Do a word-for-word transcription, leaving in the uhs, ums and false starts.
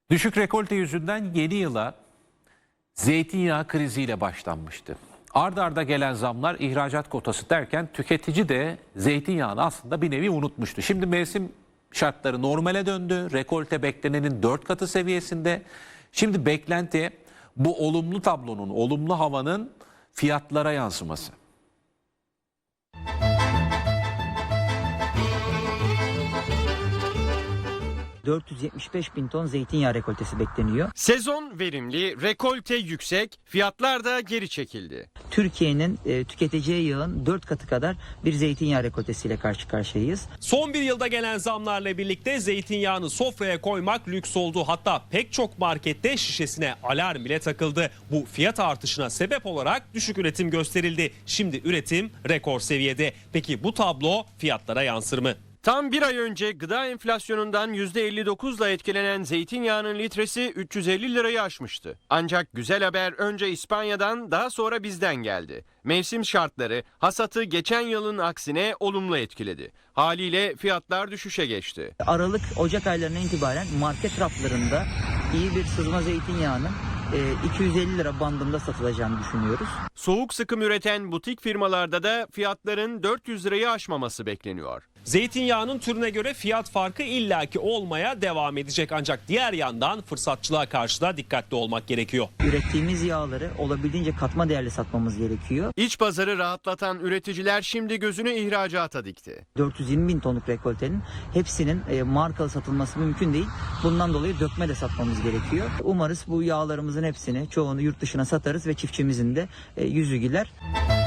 Düşük rekolte yüzünden yeni yıla zeytinyağı kriziyle başlanmıştı. Arda arda gelen zamlar ihracat kotası derken tüketici de zeytinyağını aslında bir nevi unutmuştu. Şimdi mevsim şartları normale döndü. Rekolte beklenenin dört katı seviyesinde. Şimdi beklenti bu olumlu tablonun, olumlu havanın fiyatlara yansıması. dört yüz yetmiş beş bin ton zeytinyağı rekoltesi bekleniyor. Sezon verimli, rekolte yüksek, fiyatlar da geri çekildi. Türkiye'nin e, tüketeceği yağın dört katı kadar bir zeytinyağı rekoltesiyle karşı karşıyayız. Son bir yılda gelen zamlarla birlikte zeytinyağını sofraya koymak lüks oldu. Hatta pek çok markette şişesine alarm bile takıldı. Bu fiyat artışına sebep olarak düşük üretim gösterildi. Şimdi üretim rekor seviyede. Peki bu tablo fiyatlara yansır mı? Tam bir ay önce gıda enflasyonundan yüzde elli dokuzla etkilenen zeytinyağının litresi üç yüz elli lirayı aşmıştı. Ancak güzel haber önce İspanya'dan daha sonra bizden geldi. Mevsim şartları hasatı geçen yılın aksine olumlu etkiledi. Haliyle fiyatlar düşüşe geçti. Aralık, Ocak aylarına itibaren market raflarında iyi bir sızma zeytinyağının iki yüz elli lira bandında satılacağını düşünüyoruz. Soğuk sıkım üreten butik firmalarda da fiyatların dört yüz lirayı aşmaması bekleniyor. Zeytinyağının türüne göre fiyat farkı illaki olmaya devam edecek. Ancak diğer yandan fırsatçılığa karşı da dikkatli olmak gerekiyor. Ürettiğimiz yağları olabildiğince katma değerli satmamız gerekiyor. İç pazarı rahatlatan üreticiler şimdi gözünü ihracata dikti. dört yüz yirmi bin tonluk rekoltenin hepsinin e, markalı satılması mümkün değil. Bundan dolayı dökme de satmamız gerekiyor. Umarız bu yağlarımızın hepsini, çoğunu yurt dışına satarız ve çiftçimizin de e, yüzü güler.